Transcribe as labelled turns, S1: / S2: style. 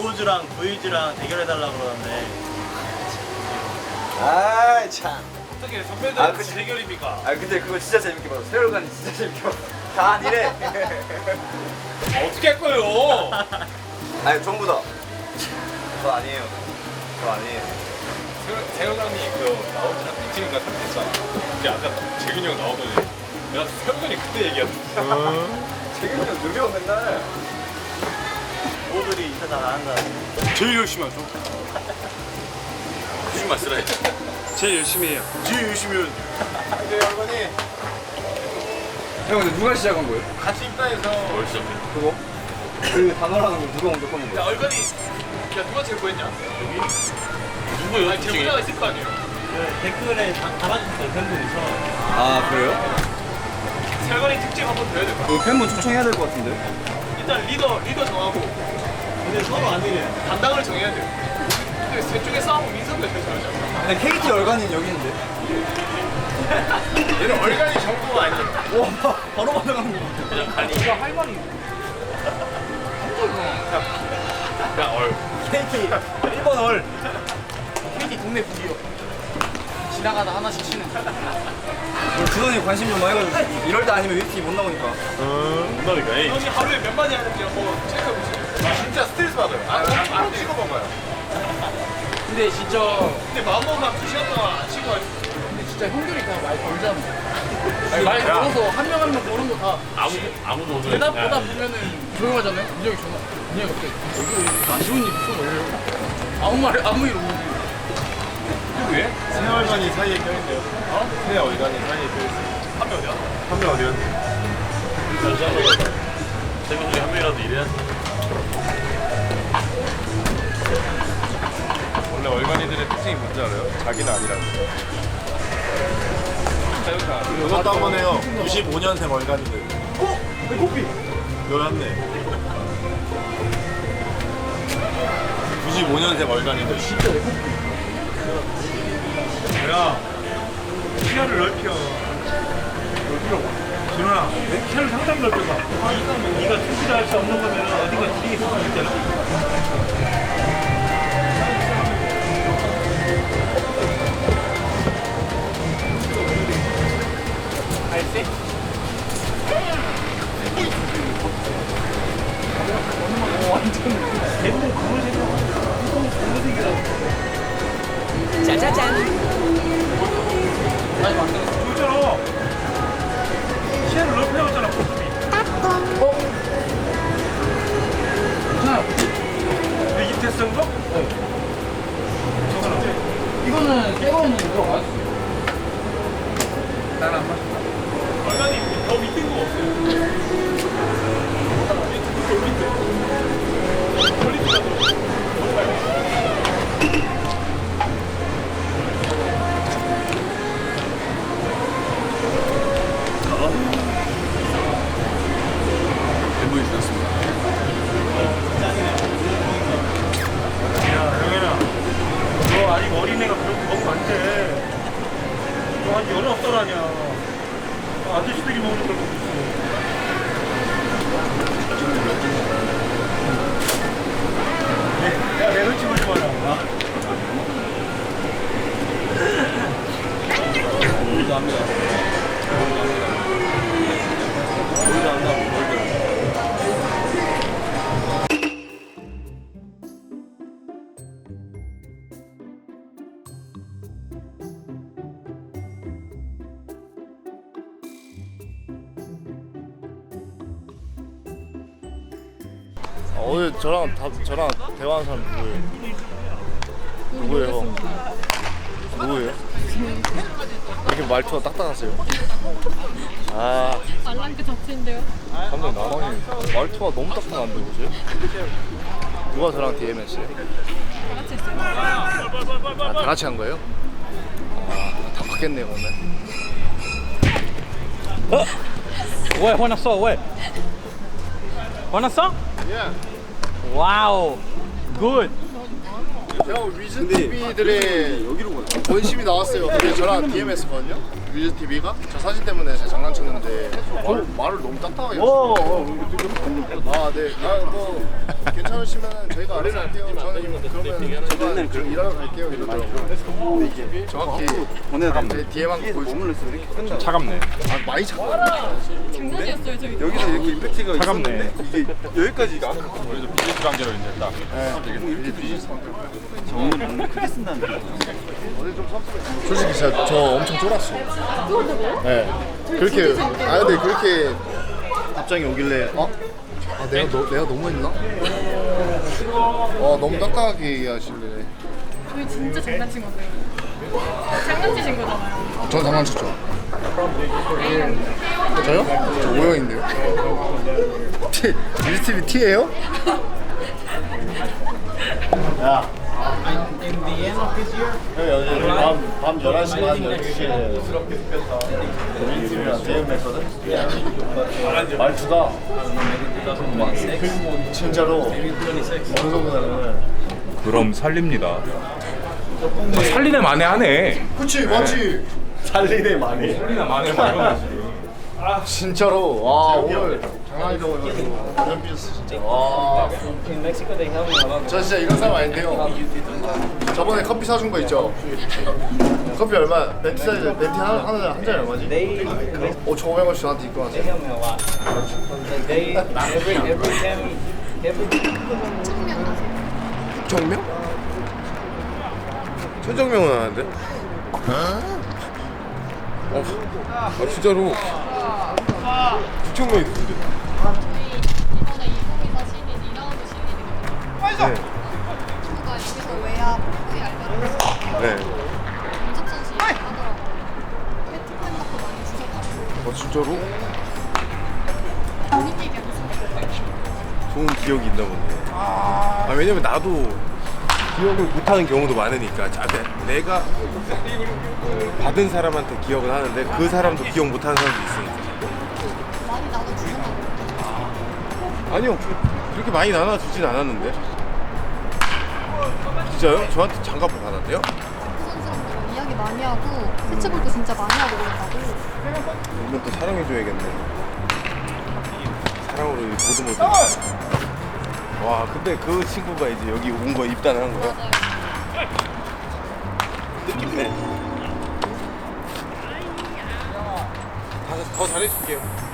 S1: 우호주랑 구이주랑 대결해달라고 그러는데.
S2: 아이 참.
S3: 어떻게 선배들 대결입니까?
S2: 아 근데 그거 진짜 재밌게 봤어. 세월간이 진짜 재밌게 봤어. 다 아니래.
S3: 어떻게 할 거예요?
S2: 아니 전부 다. 저 아니에요. 저 아니에요.
S3: 세월간이 그 나오지랑 빅치니까 상태했잖아. 근데 아까 재균이 형 나오더니 내가 세월간이 그때 얘기했어.
S2: 재균이 형 느려 맨날.
S1: 우호들이 인사 잘 안 한다.
S3: 제일 열심히 하죠. 거짓말 쓰라 했지. 제일 열심히 해요. 제일 열심히 해요.
S2: 근데 열간이. 형 근데 누가 시작한 거예요?
S3: 같이 입단해서 뭘 시작해?
S2: 그거? 그 단어라는 거 누가 먼저 꺼낸
S3: 야
S2: 거야?
S3: 얼간이 야 누가 제일 구했냐? 여기? 누구 여기 제보자가 있을 거 아니에요?
S1: 그 댓글에 달아주셨어요, 팬분이서.
S2: 아 그래요?
S3: 세월간이 특집 한번 더 해야 될 것 같아.
S2: 그 팬분 초청해야 될 것 같은데.
S3: 일단 리더 정하고
S1: 근데 서로 안 되네.
S3: 담당을 정해야 돼요. 근데 셋 중에 싸우면 민석이가 제일 잘하지 않나?
S2: 근데 KT 열간이는 여기 있는데.
S3: 얘는 얼간이 정보가 아니야.
S2: 와 바로 받아가는 거.
S3: 그냥 간이.
S1: 이거 할 말이.
S3: 그냥 얼.
S1: KT 1번 얼. KT 동네 부기요. 지나가다 하나씩 치는.
S2: 우리 준원이 관심 좀 많이 해가지고 이럴 때 아니면 웨이팅이 못 나오니까.
S3: 못 나니까. 형이 하루에 몇 마디 하는지 한번 체크해 보세요. 진짜 스트레스 받아요. 안 치고 먹어요.
S1: 근데 진짜
S3: 근데 마음먹으면 2시간 동안 안 치고 할
S1: 진짜 형들이 그냥 말 걸잖아. 말 걸어서 한 명 한 명 걸은 거 다
S3: 아무도 못
S1: 대답 보면은 조용하잖아요. 민혁이 전화. 민혁이 어때? 여기 안 좋은 일 있어? 원래 아무 일 없는데.
S3: 왜?
S4: 세월간이 사이에 껴있네요. 세월간이 사이에 껴있어요.
S3: 한 명 어디야?
S4: 한 명 어디였는데?
S3: 세명 중에 한 명이라도 일해야지.
S4: 원래 월간이들의 특징이 뭔지 알아요? 자기는 아니라고. 이것도 한번 해요. 95년생 월간이들.
S1: 어? 내 코피.
S4: 열었네. 95년생 월간이들.
S1: 진짜 내 코피.
S4: 야, 시야를 넓혀. 넓히라고. 준호야, 내 시야를 상당히 넓혀봐. 네가 투지를 할 수 없는 거면 어디가 뒤에 있을 수 있잖아.
S1: 알지? 완전 대부분 검은색이라고. 짜자잔. 아니 맞다.
S4: 그잖아. 시야를 넓히라고 했잖아, 코스비.
S1: 괜찮아요.
S4: 내 입테스트인가?
S1: 이거는 새 거는 이거 맛있어요.
S4: 난안 마신다.
S3: 얼간이 더 밑인 거 없어요?
S2: 멤버이 주셨습니다.
S4: 야, 영현아. 너 아직 어린애가 그렇게 먹으면 안 돼. 너 아직 19살 아니야. 아저씨들이 먹는 걸 먹고 있어. 야, 내 눈치 보지 마라. 우리도 합니다. 우리도 한다고, 우리도.
S5: 오늘 저랑 대화한 사람 누구예요? 누구예요? 누구예요? 이렇게 말투가 딱딱하세요? 아
S6: 말랑 그 자체인데요.
S5: 감독님 나방님 말투가 너무 딱딱한데 보세요? 누가 저랑 DM했어요?
S6: 다 같이 했어요.
S5: 아, 다 같이 한 거예요? 아, 다 바뀌었네요 오늘.
S7: 왜 화났어? 왜? 화났어? 와우 굿.
S5: 형 위즈 TV들의 여기로 권심이 나왔어요. 근데 저랑 DM했었거든요.
S2: 뮤즈 TV가 저 사진 때문에 제가 장난쳤는데 말을 너무 딱딱하게 했어요. 아, 네. 뭐 괜찮으시면 저희가 알아서 할게요. 저는 그러면 저만 일하러 갈게요 이러더라고요. 근데 이게 정확히 제 뒤에만 보여주면
S3: 차갑네.
S2: 많이 차가워요.
S6: 장난이었어요 저희.
S2: 여기서 이렇게 임팩트가
S3: 차갑네.
S2: 있었는데 이게 여기까지가
S3: 우리도 비즈니스 관계로 이제 딱.
S2: 이게 비즈니스 정말 크게 쓴다는 거. 솔직히 진짜 저 엄청 쫄았어. 네. 그렇게 근데 그렇게 답장이 오길래 내가 너무 했나? 너무 딱딱하게 얘기하실래.
S6: 저희 진짜 장난친 거예요. 장난치신 거잖아요.
S2: 전 장난쳤죠. 저요? 저 O형인데요. 뮤지TV T예요? 야. 밤 11시 반 12시에 뮤지TV랑 대응했거든? 말투가 진짜로 어느 정도냐면
S3: 그럼 살립니다. 살리네 마네 하네.
S2: 그치 맞지? 살리네 많이
S3: 살리네 마네 말고.
S2: 진짜로 와 오늘 장난이 넘어가지고 완전 삐졌어 진짜 와. 저 진짜 이런 사람 아닌데요. 저번에 커피 사준 거 있죠? 커피 얼마? 벤티 사이즈 벤티 한 잔이 얼마지? 5,500원씩 저한테 입고 왔어요.
S8: 정명? 최정명은 아는데? 진짜로 최정명이 누군데?
S9: 이번에 2024 신인 2라운드 신인이거든요. 친구가 여기서 외야 포크에 알바를 했어요.
S8: 네.
S9: 김석선 씨 하더라고요. 페트팬 같고 많이 주셨다고.
S8: 진짜로?
S9: 본인 얘기하면서.
S8: 좋은 기억이 있나 보네. 왜냐면 나도 기억을 못하는 경우도 많으니까 내가 받은 사람한테 기억은 하는데 그 사람도 기억 못하는 사람도 있으니까.
S9: 많이 나눠주셨나 봐요.
S8: 아니요, 그렇게 많이 나눠주진 않았는데. 진짜요? 저한테 장갑을 받았대요?
S9: 선수랑도 이야기 많이 하고 캐치볼도 진짜 많이 하고 그랬다고.
S8: 이건 또 사랑해줘야겠네. 사랑으로 보듬어줘. 와, 근데 그 친구가 이제 여기 온 거 입단을 한 거야?
S9: 맞아요.
S8: 느낌네. 더 잘해줄게요.